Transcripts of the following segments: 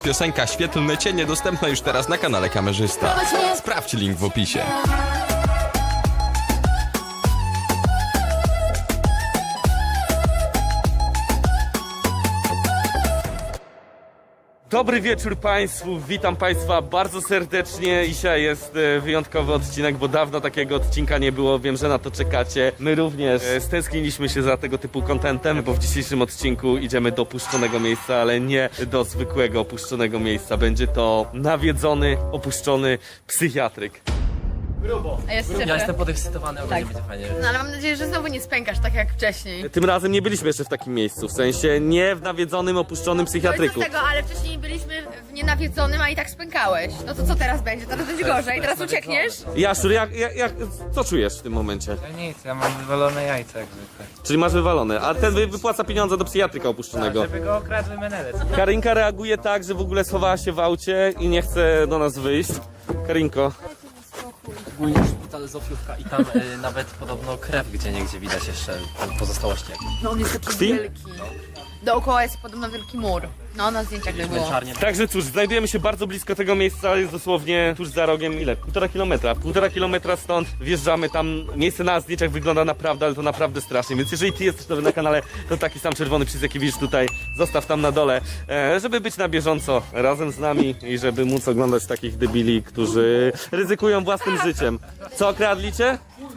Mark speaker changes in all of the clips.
Speaker 1: Piosenka Świetlne Cienie dostępna już teraz na kanale Kamerzysta. Sprawdź link w opisie.
Speaker 2: Dobry wieczór Państwu, witam Państwa bardzo serdecznie. Dzisiaj jest wyjątkowy odcinek, bo dawno takiego odcinka nie było, wiem, że na to czekacie. My również stęskniliśmy się za tego typu contentem, bo w dzisiejszym odcinku idziemy do opuszczonego miejsca, ale nie do zwykłego opuszczonego miejsca. Będzie to nawiedzony, opuszczony psychiatryk.
Speaker 3: Ja jestem podekscytowany, ale będzie fajnie.
Speaker 4: No ale mam nadzieję, że znowu nie spękasz tak jak wcześniej.
Speaker 2: Tym razem nie byliśmy jeszcze w takim miejscu, w sensie nie w nawiedzonym, opuszczonym
Speaker 4: No i
Speaker 2: psychiatryku.
Speaker 4: co z tego, ale wcześniej byliśmy w nienawiedzonym, a i tak spękałeś. No to co teraz będzie? Teraz będzie gorzej, teraz uciekniesz?
Speaker 2: Jaszczur, co czujesz w tym momencie?
Speaker 3: Ja nic, ja mam wywalone jajca jak zwykle.
Speaker 2: Czyli masz wywalone, a ten wypłaca pieniądze do psychiatryka opuszczonego.
Speaker 3: Żeby go okradły menelec.
Speaker 2: Karinka reaguje tak, że w ogóle schowała się w aucie i nie chce do nas wyjść. Karinko.
Speaker 3: Ogólnie szpital Zofiówka i tam nawet podobno krew gdzieniegdzie widać jeszcze pozostałości.
Speaker 4: No on jest taki
Speaker 2: Krwi?
Speaker 4: wielki. Dookoła jest podobno wielki mur. No na zdjęciach by było.
Speaker 3: Męczarnie.
Speaker 2: Także cóż, znajdujemy się bardzo blisko tego miejsca, jest dosłownie tuż za rogiem, ile? 1,5 kilometra. 1,5 kilometra stąd wjeżdżamy tam. Miejsce na zdjęciach wygląda naprawdę, ale to naprawdę strasznie. Więc jeżeli ty jesteś nowy na kanale, to taki sam czerwony przycisk jaki widzisz tutaj, zostaw tam na dole, żeby być na bieżąco razem z nami i żeby móc oglądać takich debili, którzy ryzykują własnym życiem. Co, okradliście?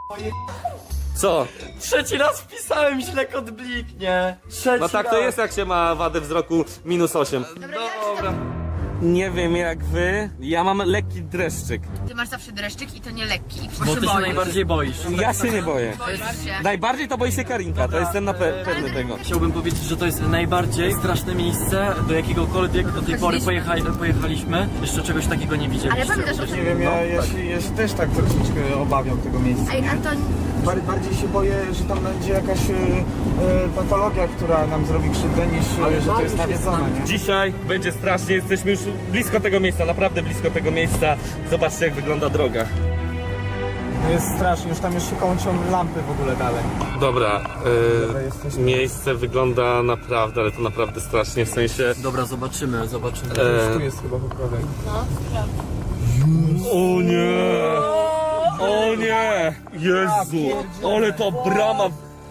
Speaker 2: Co?
Speaker 3: Trzeci raz wpisałem, źle kod bliknie. Trzeci
Speaker 2: No tak
Speaker 3: raz.
Speaker 2: to jest, jak się ma wadę wzroku -8.
Speaker 3: Dobra.
Speaker 2: Nie wiem jak wy, ja mam lekki dreszczyk.
Speaker 4: Ty masz zawsze dreszczyk i to nie lekki. I
Speaker 3: Bo ty się najbardziej boisz.
Speaker 2: Ja się nie boję.
Speaker 4: boisz się.
Speaker 2: Najbardziej to boi się Karinka, to jestem na pewny tego.
Speaker 3: Chciałbym powiedzieć, że to jest najbardziej straszne miejsce, do jakiegokolwiek do tej pory pojechaliśmy. Jeszcze czegoś takiego nie widzieliśmy.
Speaker 4: Ale pamiętasz o
Speaker 5: Nie
Speaker 4: tym?
Speaker 5: wiem, ja się też tak troszeczkę obawiam tego miejsca.
Speaker 4: Ej, Anton,
Speaker 5: Bardziej się boję, że tam będzie jakaś patologia, która nam zrobi krzywdę, niż że to jest nawiedzone, nie?
Speaker 2: Dzisiaj będzie strasznie, jesteśmy już blisko tego miejsca, naprawdę blisko tego miejsca. Zobaczcie jak wygląda droga.
Speaker 5: To jest strasznie, już tam się kończą lampy w ogóle dalej.
Speaker 2: Dobra,
Speaker 5: jesteśmy.
Speaker 2: miejsce wygląda naprawdę, ale to naprawdę strasznie, w sensie...
Speaker 3: Dobra, zobaczymy.
Speaker 5: Tu jest chyba po prawej.
Speaker 2: O nie! O nie! Jezu! Ale to brama...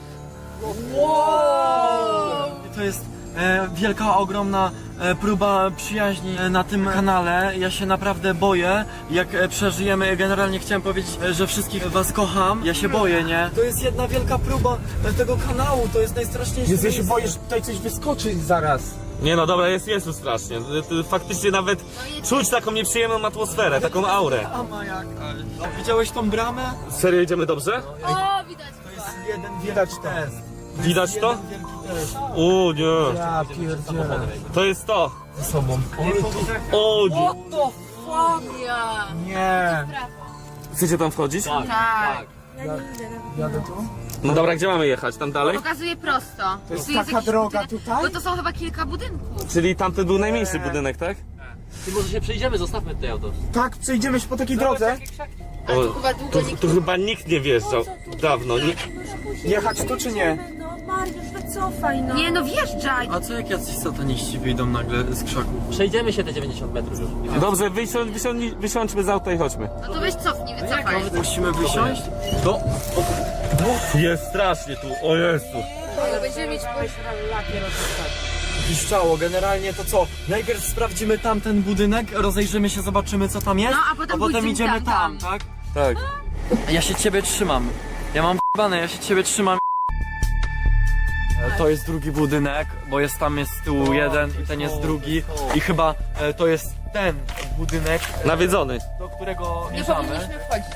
Speaker 3: To jest wielka, ogromna próba przyjaźni na tym kanale. Ja się naprawdę boję, jak przeżyjemy. Generalnie chciałem powiedzieć, że wszystkich was kocham. Ja się boję, nie? To jest jedna wielka próba tego kanału, to jest najstraszniejsze.
Speaker 5: Jezu, ja się boję, że tutaj coś wyskoczy zaraz.
Speaker 2: Nie no dobra, jest już strasznie. Faktycznie nawet czuć taką nieprzyjemną atmosferę, taką aurę.
Speaker 3: Ama jaka. Widziałeś tą bramę?
Speaker 2: Serio idziemy dobrze?
Speaker 4: o, widać.
Speaker 3: To jest jeden
Speaker 5: Widać
Speaker 3: wielki
Speaker 5: to.
Speaker 3: test.
Speaker 2: Widać to?
Speaker 3: Jeden wielki test.
Speaker 2: O nie!
Speaker 5: Ja pierdzielę.
Speaker 2: To jest to!
Speaker 3: Ze sobą.
Speaker 2: O nie!
Speaker 4: Ja.
Speaker 5: Nie.
Speaker 2: Chcecie tam wchodzić?
Speaker 4: Tak.
Speaker 5: Jadę tu?
Speaker 2: No dobra, gdzie mamy jechać? Tam dalej?
Speaker 4: Pokazuje prosto.
Speaker 5: To jest
Speaker 4: Tu
Speaker 5: taka
Speaker 4: jakiś
Speaker 5: droga
Speaker 4: budynek,
Speaker 5: tutaj?
Speaker 4: Bo to są chyba kilka budynków.
Speaker 2: Czyli tamten był najmniejszy budynek, tak?
Speaker 3: Ty może się przejdziemy, zostawmy tutaj auto.
Speaker 5: Tak, przejdziemy się po takiej drodze.
Speaker 4: Ale tu chyba długo nikt...
Speaker 2: Tu chyba nikt nie wjeżdżał dawno.
Speaker 5: Jechać tu czy nie?
Speaker 6: No Mariusz, wycofaj no.
Speaker 4: Nie no, wjeżdżaj.
Speaker 3: A co jak jacyś sataniści wyjdą nagle z krzaków? Przejdziemy się te 90 metrów już.
Speaker 2: Dobrze, wysiądźmy z auta i chodźmy.
Speaker 4: No to weź cofnij, wycofaj.
Speaker 3: Musimy wysiąść? To...
Speaker 2: Jest strasznie tu, o Jezu.
Speaker 4: Ale będziemy mieć...
Speaker 3: Piszczało, generalnie to co? Najpierw sprawdzimy tamten budynek, rozejrzymy się, zobaczymy co tam jest,
Speaker 4: No, a potem pójdziemy
Speaker 3: idziemy
Speaker 4: tam,
Speaker 3: tak?
Speaker 2: Tak.
Speaker 3: Ja się ciebie trzymam. Ja mam b***ane, ja się ciebie trzymam. To jest drugi budynek, bo jest tam jest z tyłu jeden i ten jest drugi i chyba to jest ten budynek,
Speaker 2: Nawiedzony.
Speaker 3: do którego
Speaker 4: Nie
Speaker 3: mierzamy.
Speaker 4: powinniśmy wchodzić.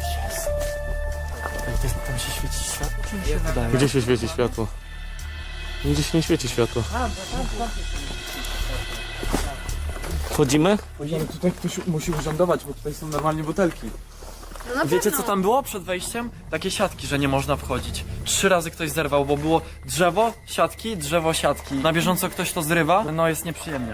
Speaker 3: Tam się świeci światło, czy mi się wydaje?
Speaker 2: Gdzie się świeci światło? Nigdzie się nie świeci światło. Wchodzimy?
Speaker 5: Ale tutaj ktoś musi urzędować, bo tutaj są normalnie butelki.
Speaker 4: No na
Speaker 3: Wiecie
Speaker 4: pewno.
Speaker 3: co tam było przed wejściem? Takie siatki, że nie można wchodzić. 3 razy ktoś zerwał, bo było drzewo, siatki. Na bieżąco ktoś to zrywa, no jest nieprzyjemnie.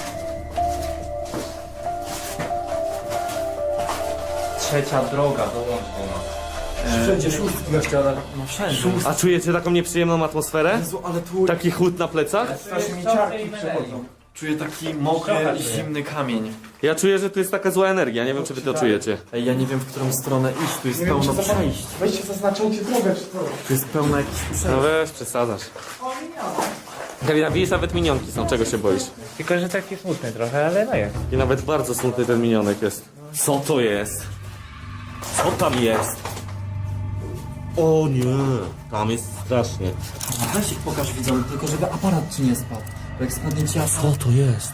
Speaker 3: Trzecia droga, dołącz do nas.
Speaker 5: Wszędzie szóstki na ścianach.
Speaker 3: No wszędzie.
Speaker 2: A czujecie taką nieprzyjemną atmosferę?
Speaker 3: Jezu, ale tu...
Speaker 2: Taki chłód na plecach?
Speaker 5: Strasznie mi ciarki przechodzą.
Speaker 3: Czuję taki mokry, zimny kamień.
Speaker 2: Ja czuję, że tu jest taka zła energia, nie wiem czy wy to czujecie.
Speaker 3: Ej, ja nie wiem, w którą stronę iść, tu jest
Speaker 5: Nie wiem,
Speaker 3: pełno
Speaker 5: czy
Speaker 3: przejść.
Speaker 5: Weźcie, zaznaczajcie drogę, czy co?
Speaker 3: Tu jest pełno jakichś przejść.
Speaker 2: No weź, przesadzasz. Karina, widzisz, nawet minionki są, czego się boisz?
Speaker 7: Tylko, że taki smutny trochę, ale no jest.
Speaker 2: I nawet bardzo smutny ten minionek jest. Co to jest? Co tam jest? O nie, tam jest strasznie.
Speaker 3: Weź ich pokaż widzom, tylko żeby aparat ci nie spadł. Bo jak spadnie ci
Speaker 2: Co to jest?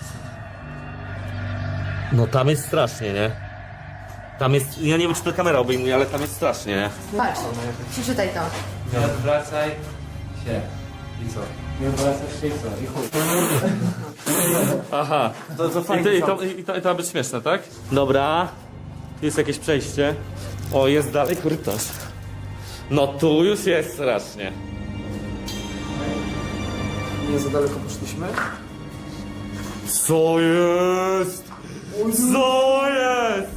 Speaker 2: No tam jest strasznie, nie? Tam jest, ja nie wiem czy to kamera obejmuje, ale tam jest strasznie, nie?
Speaker 4: Patrz, przeczytaj to.
Speaker 7: Nie odwracaj się. I co? Nie odwracasz się i co? I chuj.
Speaker 2: Aha.
Speaker 3: To
Speaker 2: I
Speaker 3: fajnie.
Speaker 2: to ma być śmieszne, tak? Dobra. Tu jest jakieś przejście. O, jest dalej korytarz. No tu już jest strasznie.
Speaker 5: Nie za daleko poszliśmy?
Speaker 2: Co jest? Co jest?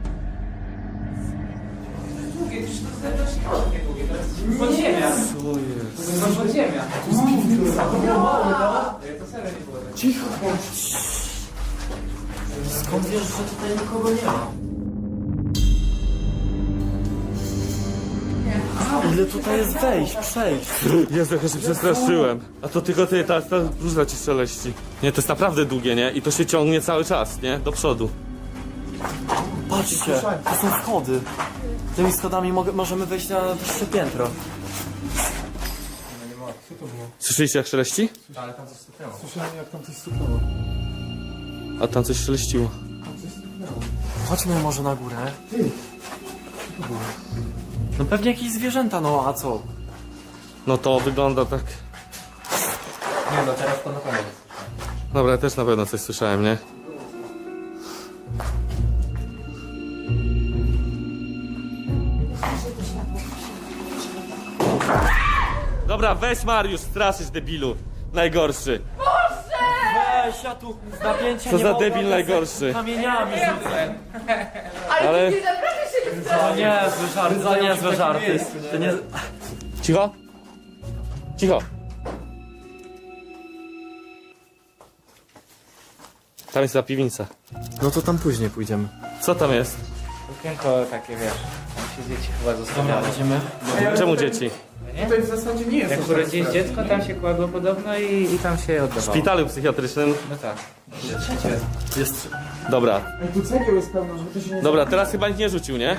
Speaker 7: Podziemia.
Speaker 2: Co jest?
Speaker 7: To podziemia.
Speaker 3: Skąd wiesz, że tutaj nikogo nie ma? Ile tutaj jest wejść, przejść?
Speaker 2: Jezu, jak ja się przestraszyłem. A to tylko ty, ta różna ci szeleści. Nie, to jest naprawdę długie, nie? I to się ciągnie cały czas, nie? Do przodu.
Speaker 3: Patrzcie, to są schody. Tymi schodami możemy wejść na wyższe piętro.
Speaker 2: Słyszeliście jak szeleści?
Speaker 5: Słyszałem, jak tam coś stuknęło.
Speaker 2: A tam coś szeleściło.
Speaker 3: Chodźmy może na górę. No pewnie jakieś zwierzęta, no a co?
Speaker 2: No to wygląda tak...
Speaker 7: Nie no, teraz to na pewno.
Speaker 2: Dobra, ja też na pewno coś słyszałem, nie? Dobra, weź Mariusz, straszysz debilu. Najgorszy.
Speaker 3: Weź, ja tu napięcie
Speaker 2: Co
Speaker 3: nie
Speaker 2: za
Speaker 3: mogę
Speaker 2: debil najgorszy.
Speaker 3: kamieniami rzucę.
Speaker 2: Ale...
Speaker 4: Ty naprawdę się nie
Speaker 3: To nie jest zły żart, to nie jest zły żart. To nie...
Speaker 2: Cicho? Cicho. Tam jest ta piwnica.
Speaker 3: No to tam później pójdziemy.
Speaker 2: Co tam jest?
Speaker 7: Okienko takie, wiesz, tam się dzieci chyba
Speaker 3: Dobra,
Speaker 7: zostawiały.
Speaker 3: idziemy.
Speaker 2: Czemu dzieci?
Speaker 5: Tutaj w zasadzie nie jest
Speaker 7: Jak
Speaker 5: aż tak
Speaker 7: urodziłeś
Speaker 5: strasznie.
Speaker 7: dziecko, tam się kładło podobno i tam się je
Speaker 2: W
Speaker 7: oddawało.
Speaker 2: szpitalu psychiatrycznym.
Speaker 7: No tak.
Speaker 3: Jest...
Speaker 2: Dobra.
Speaker 5: Ej, tu cegieł jest pełno, żeby to się nie...
Speaker 2: Dobra, teraz chyba nikt nie rzucił, nie?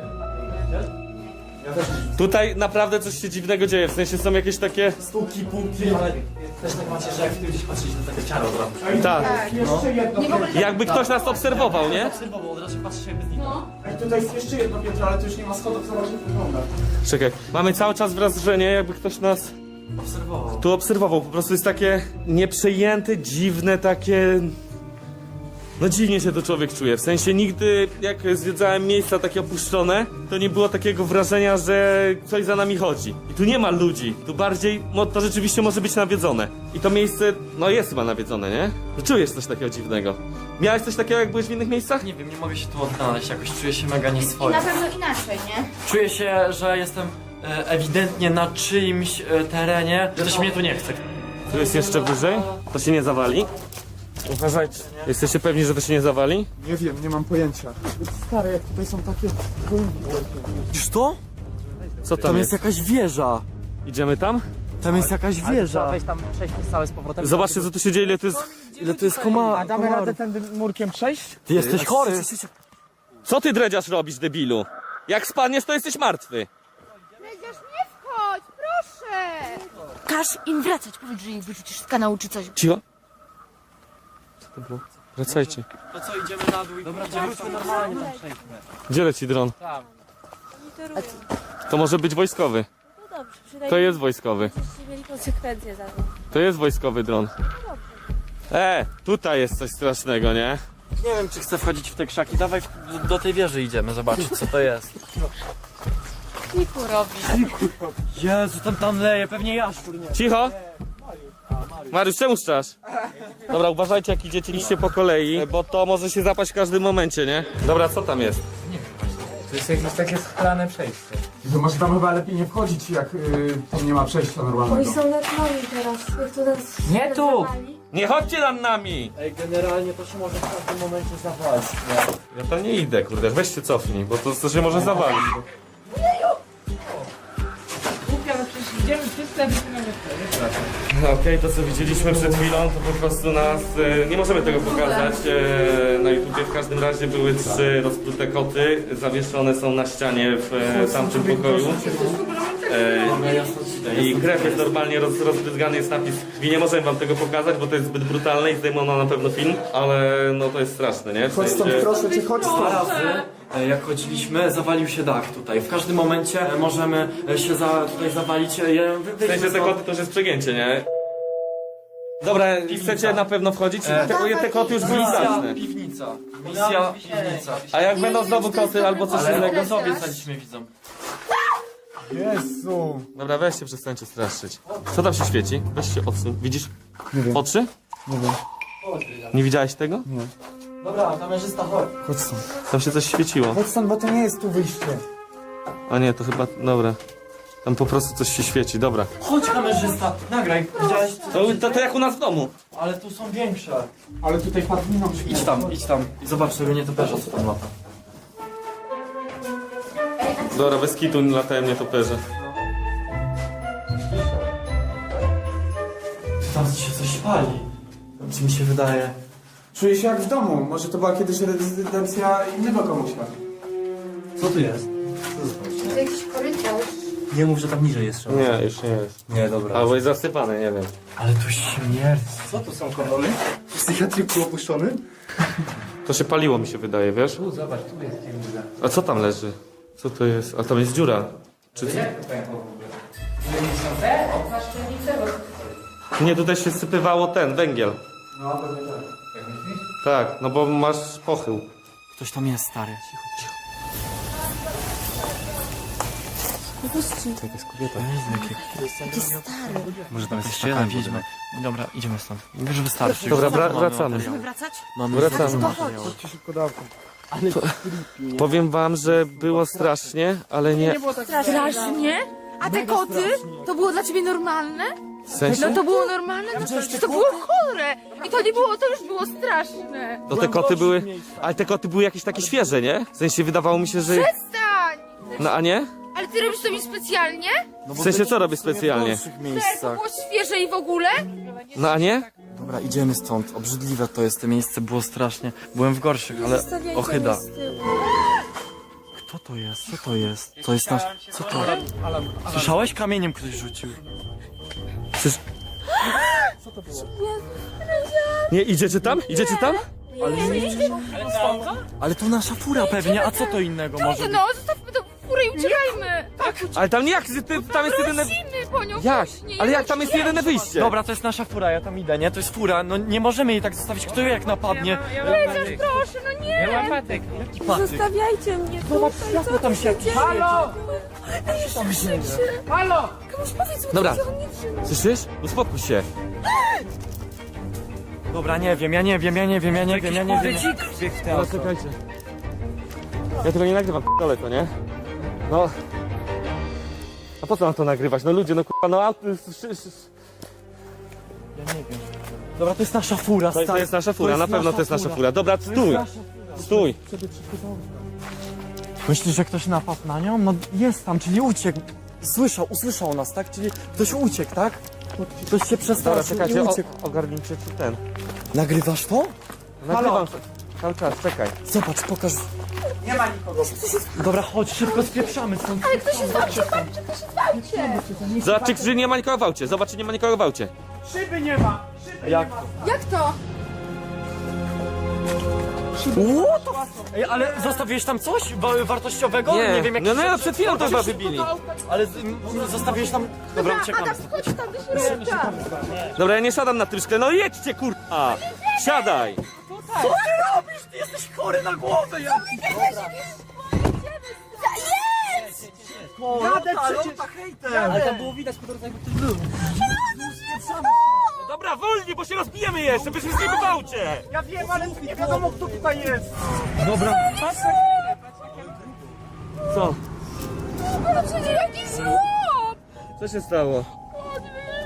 Speaker 2: Tutaj naprawdę coś się dziwnego dzieje, w sensie są jakieś takie...
Speaker 3: Stuki, punkty, ale też tak macie, że jak ty gdzieś patrzysz na takie ciaro od razu.
Speaker 5: Ej,
Speaker 2: Tak.
Speaker 5: jeszcze jedno piętro.
Speaker 2: Jakby ktoś nas obserwował, nie?
Speaker 3: Obserwował, od razu patrzysz jakby zniknął.
Speaker 5: Ej, tutaj jest jeszcze jedno piętro, ale to już nie ma schodów, zobacz jak wygląda.
Speaker 2: Czekaj, mamy cały czas wrażenie, jakby ktoś nas
Speaker 3: Obserwował.
Speaker 2: tu obserwował. Po prostu jest takie nieprzejęte, dziwne, takie... No dziwnie się to człowiek czuje. W sensie nigdy, jak zwiedzałem miejsca takie opuszczone, to nie było takiego wrażenia, że coś za nami chodzi. I tu nie ma ludzi. Tu bardziej, to rzeczywiście może być nawiedzone. I to miejsce, no jest chyba nawiedzone, nie? No czujesz coś takiego dziwnego. Miałeś coś takiego, jak byłeś w innych miejscach?
Speaker 3: Nie wiem, nie mogę się tu odnaleźć, jakoś czuję się mega
Speaker 4: I
Speaker 3: nieswojo.
Speaker 4: na pewno inaczej, nie?
Speaker 3: Czuję się, że jestem ewidentnie na czyimś terenie, że ktoś mnie tu nie chce.
Speaker 2: Tu jest jeszcze wyżej. To się nie zawali. Uważajcie. Jesteście pewni, że to się nie zawali?
Speaker 5: Nie wiem, nie mam pojęcia. Stary, jak tutaj są takie...
Speaker 3: Widzisz to?
Speaker 2: Co tam
Speaker 3: Tam
Speaker 2: jest?
Speaker 3: jest jakaś wieża.
Speaker 2: Idziemy tam?
Speaker 3: Tam jest jakaś wieża.
Speaker 7: tam przejść całe z powrotem.
Speaker 2: Zobaczcie, co tu się dzieje, ile to jest...
Speaker 3: Ile to jest komarów.
Speaker 5: tym murkiem przejść?
Speaker 3: Ty jesteś chory.
Speaker 2: Co ty dredziarz robisz, debilu? Jak spadniesz, to jesteś martwy.
Speaker 4: Przecież nie wchodź, proszę! Każ im wracać, powiedz, że ich wyrzucisz z kanału czy coś.
Speaker 2: Cicho. Co to było? Wracajcie.
Speaker 3: To co, idziemy na dół i dobra, wróćmy normalnie tam przejdźmy.
Speaker 2: Gdzie leci dron? To może być wojskowy.
Speaker 6: No dobrze,
Speaker 2: To
Speaker 6: przynajmniej
Speaker 2: jest wojskowy.
Speaker 6: byście mieli konsekwencje za to.
Speaker 2: To jest wojskowy dron. Tutaj jest coś strasznego, nie?
Speaker 3: Nie wiem, czy chcę wchodzić w te krzaki. Dawaj do tej wieży idziemy, zobaczyć co to jest.
Speaker 6: Kiku robi.
Speaker 3: Jezu, tam leje, pewnie jaszczur, nie?
Speaker 2: Cicho! Mariusz, czemu szczasz? Dobra, uważajcie jak idziecie liście po kolei, bo to może się zapaść w każdym momencie, nie? Dobra, co tam jest?
Speaker 7: To jest jakieś takie schlane przejście.
Speaker 5: To może tam chyba lepiej nie wchodzić, jak tam nie ma przejścia normalnego.
Speaker 6: Oni są nad nami teraz. Jak to nas
Speaker 7: Nie tu!
Speaker 6: zawali.
Speaker 2: Nie chodźcie nad nami!
Speaker 3: Ej, generalnie to się może w każdym momencie zawalić, nie?
Speaker 2: Ja tam nie idę, kurde, weź się cofnij, bo to się może zawalić. No okej, to co widzieliśmy przed chwilą, to po prostu nas... nie możemy tego pokazać na YouTubie. W każdym razie były 3 rozplute koty, zawieszone są na ścianie w tamtym pokoju. I krew jest normalnie rozbryzgany, jest napis krwi. Nie możemy wam tego pokazać, bo to jest zbyt brutalne i zdejmono na pewno film, ale no to jest straszne, nie? W
Speaker 5: Chodź stąd,
Speaker 2: sensie-
Speaker 5: proszę cię, chodź
Speaker 3: Dwa
Speaker 5: stąd.
Speaker 3: razy, jak chodziliśmy, zawalił się dach tutaj. W każdym momencie możemy się tutaj zawalić.
Speaker 2: W sensie te koty to już jest przegięcie, nie? Dobra, chcecie na pewno wchodzić? Te koty już były straszne.
Speaker 3: Piwnica. Misja, piwnica.
Speaker 2: A jak będą znowu koty albo coś
Speaker 3: Ale
Speaker 2: innego?
Speaker 3: go obiecaliśmy widzom.
Speaker 5: Jezu.
Speaker 2: Dobra, weźcie, przestańcie straszyć. Co tam się świeci? Weź się odsuń. Widzisz oczy?
Speaker 5: Nie wiem.
Speaker 2: Nie widziałeś tego?
Speaker 3: Dobra, kamerzysta, chodź.
Speaker 5: Chodź stąd.
Speaker 2: Tam się coś świeciło.
Speaker 5: Chodź stąd, bo to nie jest tu wyjście.
Speaker 2: A nie, to chyba... Dobra. Tam po prostu coś się świeci, dobra.
Speaker 3: Chodź kamerzysta, nagraj. Widziałeś?
Speaker 2: To jak u nas w domu.
Speaker 3: Ale tu są większe.
Speaker 5: Ale tutaj padliną się.
Speaker 3: Idź tam i zobacz tego nietoperza, co tam lata.
Speaker 2: Dobra, bez kitu latają nietoperze.
Speaker 3: Tam się coś pali. Czy mi się wydaje?
Speaker 5: Czuję się jak w domu. Może to była kiedyś rezydencja innego komuśka.
Speaker 3: Co tu jest?
Speaker 4: To jakiś korytarz.
Speaker 3: Nie mów, że tam niżej jest.
Speaker 2: Nie, już nie jest.
Speaker 3: Nie, dobra.
Speaker 2: Albo jest zasypane, nie wiem.
Speaker 3: Ale tu śmierć.
Speaker 5: Co tu są kondony? W psychiatryku opuszczony?
Speaker 2: To się paliło, mi się wydaje, wiesz?
Speaker 7: Zobacz, tu jest dziura.
Speaker 2: A co tam leży? Co to jest? A tam jest dziura. Czy co?
Speaker 7: Jak to pękło w ogóle? Nie są te? Okna szczelnice?
Speaker 2: Nie, tutaj się sypywało węgiel.
Speaker 5: No, pewnie tak.
Speaker 7: Jak myślisz?
Speaker 2: Tak, no bo masz pochył.
Speaker 3: Ktoś tam jest, stary. Cicho, cicho. To jest kobieta. Jaki stary. Może tam jest taka wiedźma. Dobra, idziemy stąd. Mówię, że wystarczy.
Speaker 2: Dobra,
Speaker 3: Mamy
Speaker 2: wracamy.
Speaker 3: materiał.
Speaker 4: Wracać?
Speaker 3: Mamy
Speaker 2: Wracamy.
Speaker 3: materiał.
Speaker 5: Chodźcie szybko dawko.
Speaker 2: Powiem wam, że było strasznie, ale nie...
Speaker 4: Strasznie? A te koty? To było dla ciebie normalne?
Speaker 2: W sensie?
Speaker 4: No to było normalne? To było chore! I to nie było, to już było straszne!
Speaker 2: No te koty były... Ale te koty były jakieś takie świeże, nie? W sensie wydawało mi się, że...
Speaker 4: Przestań!
Speaker 2: No a nie?
Speaker 4: Ale ty robisz to mi specjalnie?
Speaker 2: W sensie co robię specjalnie?
Speaker 3: W
Speaker 4: To
Speaker 3: miejscach.
Speaker 4: było świeże i w ogóle?
Speaker 2: No a nie?
Speaker 3: Dobra, idziemy stąd. Obrzydliwe to jest, to miejsce było strasznie. Byłem w gorszych, ale ochyda. Kto to jest? Co to jest? To jest nasz... Co to? Słyszałeś? Kamieniem ktoś rzucił.
Speaker 2: Nie, idziecie tam? Idziecie tam?
Speaker 3: Ale to nasza fura pewnie, a co to innego może być?
Speaker 4: No, zostawmy to furę i uciekajmy! Tak,
Speaker 2: Ale tam nie jak, tam jest jedyne...
Speaker 4: prosimy po nią
Speaker 2: Jak?
Speaker 4: wcześniej,
Speaker 2: Ale jak tam jest jedyne wyjście?
Speaker 3: Dobra, to jest nasza fura, ja tam idę, nie? To jest fura, no nie możemy jej tak zostawić. Kto jak napadnie?
Speaker 4: Chociaż proszę, no nie!
Speaker 7: Ja mam patyk.
Speaker 6: Zostawiajcie mnie
Speaker 3: Zobacz,
Speaker 6: tutaj,
Speaker 3: światło tam się...
Speaker 7: Halo! Halo!
Speaker 6: Komuś powiedz mu,
Speaker 2: Dobra.
Speaker 6: że on nie trzyma.
Speaker 2: Słyszysz? Uspokój się.
Speaker 3: Dobra, nie wiem.
Speaker 2: Dobra, czekajcie. Ja tego nie nagrywam, dole to, nie? No... A po co mam to nagrywać? No ludzie, no kurwa, no auto...
Speaker 3: Dobra, to jest nasza fura,
Speaker 2: To
Speaker 3: stary.
Speaker 2: jest nasza fura, na pewno to jest nasza fura. Dobra, stój! Stój!
Speaker 3: Myślisz, że ktoś napadł na nią? No jest tam, czyli uciekł. Usłyszał nas, tak? Czyli ktoś uciekł, tak? Ktoś się
Speaker 2: Dobra,
Speaker 3: przestraszył i
Speaker 2: czekajcie,
Speaker 3: uciekł.
Speaker 2: ogarnijcie czy ten.
Speaker 3: Nagrywasz to?
Speaker 2: Nagrywam cały czas, czekaj.
Speaker 3: Zobacz, pokaż. Nie ma nikogo. Dobra, chodź, szybko spieprzamy stąd.
Speaker 4: Ale ktoś się zobaczy,
Speaker 2: Zobaczcie, czy nie ma nikogo w aucie. Zobacz, czy nie ma nikogo w aucie.
Speaker 3: Jak?
Speaker 4: Jak to?
Speaker 3: What the Ej, ale zostawiłeś tam coś wartościowego? Nie wiem,
Speaker 2: no, no, przed chwilą to chyba wybili.
Speaker 3: Ale zostawiłeś tam... Dobra, uciekamy.
Speaker 4: Adam, chodź tam do środka!
Speaker 2: Dobra, ja nie siadam na tym szkle, no jedźcie, kurwa! Siadaj!
Speaker 3: Co ty robisz? Ty jesteś chory na głowę, ja...
Speaker 7: Ale tam było widać po drodze, jakby ktoś był.
Speaker 2: No dobra, wolniej, bo się rozbijemy jeszcze, byśmy z nim w aucie!
Speaker 5: Ja wiem, ale nie wiadomo kto tutaj jest.
Speaker 2: Co?
Speaker 4: Przecież jakiś złom!
Speaker 2: Co się stało?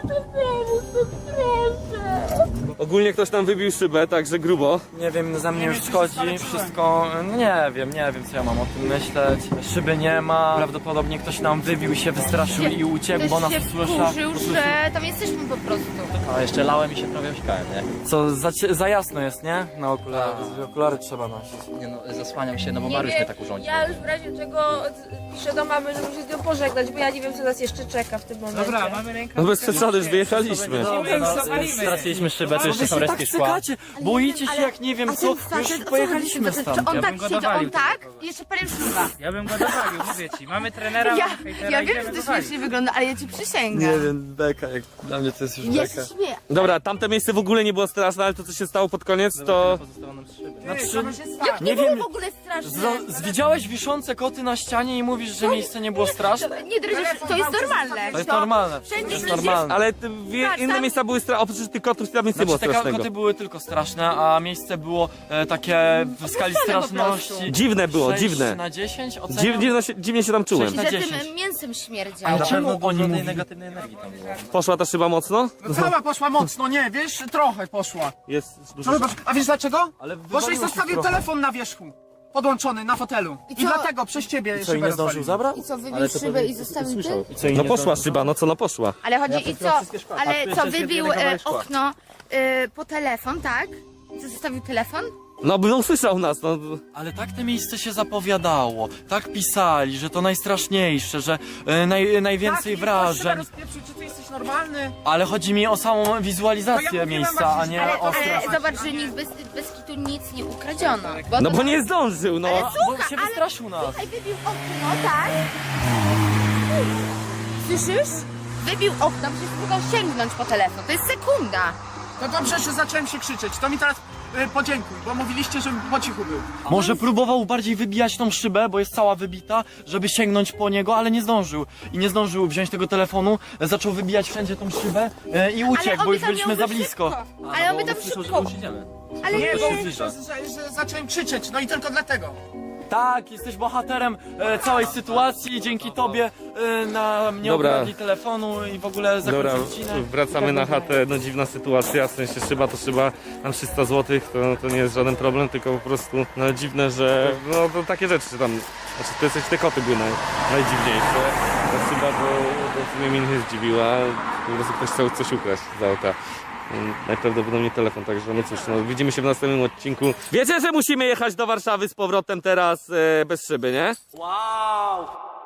Speaker 6: to pomóc, to proszę.
Speaker 2: Ogólnie ktoś tam wybił szybę, także grubo.
Speaker 3: Nie wiem, ze mnie już schodzi wszystko, no nie wiem co ja mam o tym myśleć. Szyby nie ma, prawdopodobnie ktoś nam wybił się, wystraszył i uciekł, bo nas
Speaker 4: Ktoś się
Speaker 3: usłyszał.
Speaker 4: wkurzył, że tam jesteśmy po prostu.
Speaker 7: A jeszcze lałem i się prawie osikałem, nie?
Speaker 3: Co, za jasno jest, nie? Na okulary, okulary trzeba nosić.
Speaker 7: Nie no, zasłaniam się, no bo
Speaker 6: Nie
Speaker 7: Mariusz
Speaker 6: wiem,
Speaker 7: mnie tak urządził.
Speaker 6: ja już w razie czego piszę do mamy, żeby się z nią pożegnać, bo ja nie wiem, co nas jeszcze czeka w tym momencie.
Speaker 8: Dobra, mamy rękę.
Speaker 2: No bez przesady, już wyjechaliśmy.
Speaker 7: Straciliśmy szybę, to jeszcze są
Speaker 3: Wy się
Speaker 7: resztki
Speaker 3: tak
Speaker 7: szkła.
Speaker 3: cykacie, boicie się jak nie wiem
Speaker 4: A
Speaker 3: co,
Speaker 4: ten facet,
Speaker 3: już
Speaker 4: o co
Speaker 3: pojechaliśmy
Speaker 4: chodzi?
Speaker 3: stąd.
Speaker 4: Czy on
Speaker 8: Ja
Speaker 4: tak
Speaker 8: bym go
Speaker 4: siedział,
Speaker 8: dowalił
Speaker 4: on tak?
Speaker 8: tego.
Speaker 4: Jeszcze parę szluga.
Speaker 8: Ja bym go dowalił, mówię ci. Mamy trenera,
Speaker 4: Ja,
Speaker 8: mamy hejtera,
Speaker 4: ja wiem,
Speaker 8: idziemy
Speaker 4: że to
Speaker 8: dowalić.
Speaker 4: śmiesznie wygląda, ale ja ci przysięgam.
Speaker 3: Nie wiem, beka, jak dla mnie to jest już
Speaker 4: Ja
Speaker 3: beka.
Speaker 4: się śmieję.
Speaker 2: Dobra, tamte miejsce w ogóle nie było straszne, ale to co się stało pod koniec, to...
Speaker 7: Pozostało nam 3 szyby.
Speaker 3: Znaczy,
Speaker 4: Jak
Speaker 3: Nie
Speaker 4: nie było
Speaker 3: wiem.
Speaker 4: w ogóle straszne.
Speaker 3: widziałeś wiszące koty na ścianie i mówisz, że miejsce nie było straszne?
Speaker 4: Nie drżysz, to jest normalne.
Speaker 3: To jest normalne, to
Speaker 4: Wszędzie
Speaker 3: jest
Speaker 4: ludzie-
Speaker 3: normalne.
Speaker 2: Ale
Speaker 4: Tak,
Speaker 2: inne
Speaker 4: tam-
Speaker 2: miejsca były straszne, oprócz tych kotów tam nic nie było
Speaker 3: Znaczy te
Speaker 2: strasznego.
Speaker 3: koty były tylko straszne, a miejsce było takie w skali straszności.
Speaker 2: Dziwne było,
Speaker 3: 6
Speaker 2: dziwne.
Speaker 3: na 10 oceniam.
Speaker 2: Dziwnie się tam czułem.
Speaker 3: Sześć na
Speaker 4: Że
Speaker 3: 10.
Speaker 4: tym mięsem śmierdział.
Speaker 3: A
Speaker 7: Na
Speaker 3: czemu
Speaker 7: pewno
Speaker 3: oni
Speaker 7: dużo tej
Speaker 3: mówili?
Speaker 7: negatywnej energii tam było.
Speaker 2: Poszła ta szyba mocno?
Speaker 5: No cała poszła mocno, nie, wiesz, trochę poszła.
Speaker 2: Jest
Speaker 5: No
Speaker 2: dużo.
Speaker 5: zobacz, a wiesz dlaczego?
Speaker 3: Ale
Speaker 5: Bo
Speaker 3: wywaliło
Speaker 5: żeś
Speaker 3: się
Speaker 5: zostawił
Speaker 3: trochę.
Speaker 5: telefon na wierzchu. Podłączony na fotelu. I
Speaker 4: co?
Speaker 5: dlatego przez ciebie
Speaker 3: Co, i
Speaker 5: szybę
Speaker 3: nie zdążył
Speaker 5: rozwalił.
Speaker 3: zabrać?
Speaker 4: I co, wybił szybę i zostawił ty?
Speaker 2: No poszła szyba, no co, no poszła.
Speaker 4: Ale chodzi i co? Ale co, wybił okno po telefon, tak? Co, zostawił telefon?
Speaker 2: No by usłyszał nas, no.
Speaker 3: Ale tak te miejsce się zapowiadało, tak pisali, że to najstraszniejsze, że najwięcej wrażeń.
Speaker 5: Czy ty jesteś normalny?
Speaker 3: Ale chodzi mi o samą
Speaker 5: No ja
Speaker 3: wizualizację
Speaker 5: mówiłem
Speaker 3: miejsca, a
Speaker 5: właśnie,
Speaker 3: nie
Speaker 4: Ale,
Speaker 3: o strach.
Speaker 4: ale zobacz, że nikt bez kitu nic nie ukradziono.
Speaker 2: No
Speaker 4: to-
Speaker 2: bo nie zdążył, no.
Speaker 3: Bo się wystraszył nas.
Speaker 4: Słuchaj, wybił okno, tak? Słyszysz? Wybił okno, przecież próbował sięgnąć po telefon. To jest sekunda.
Speaker 5: To dobrze, że zacząłem się krzyczeć. To mi teraz podziękuj, bo mówiliście, żebym po cichu był.
Speaker 3: Może próbował bardziej wybijać tą szybę, bo jest cała wybita, żeby sięgnąć po niego, ale nie zdążył. I nie zdążył wziąć tego telefonu, zaczął wybijać wszędzie tą szybę i uciekł,
Speaker 4: on
Speaker 3: bo
Speaker 4: by
Speaker 3: już
Speaker 4: tam
Speaker 3: byliśmy
Speaker 4: miał
Speaker 3: za
Speaker 4: być
Speaker 3: blisko.
Speaker 4: szybko. Ale on by tam szybko. Ale
Speaker 5: Nie,
Speaker 4: nie.
Speaker 5: bo że zacząłem krzyczeć, no i tylko dlatego.
Speaker 3: Tak, jesteś bohaterem całej sytuacji, dzięki tobie nam nie
Speaker 2: Dobra.
Speaker 3: ukradli telefonu i w ogóle
Speaker 2: Dobra,
Speaker 3: zakończył odcinek.
Speaker 2: wracamy na chatę, no dziwna sytuacja, w sensie szyba to szyba, mam 300 zł, to nie jest żaden problem, tylko po prostu, no dziwne, że, no to takie rzeczy tam, znaczy to jesteś, te koty były najdziwniejsze, ta szyba to w sumie mnie nie zdziwiła, po prostu ktoś chciał coś ukraść z auta. Najprawdopodobniej telefon, także no cóż, no widzimy się w następnym odcinku. Wiecie, że musimy jechać do Warszawy z powrotem teraz bez szyby, nie?
Speaker 3: Wow!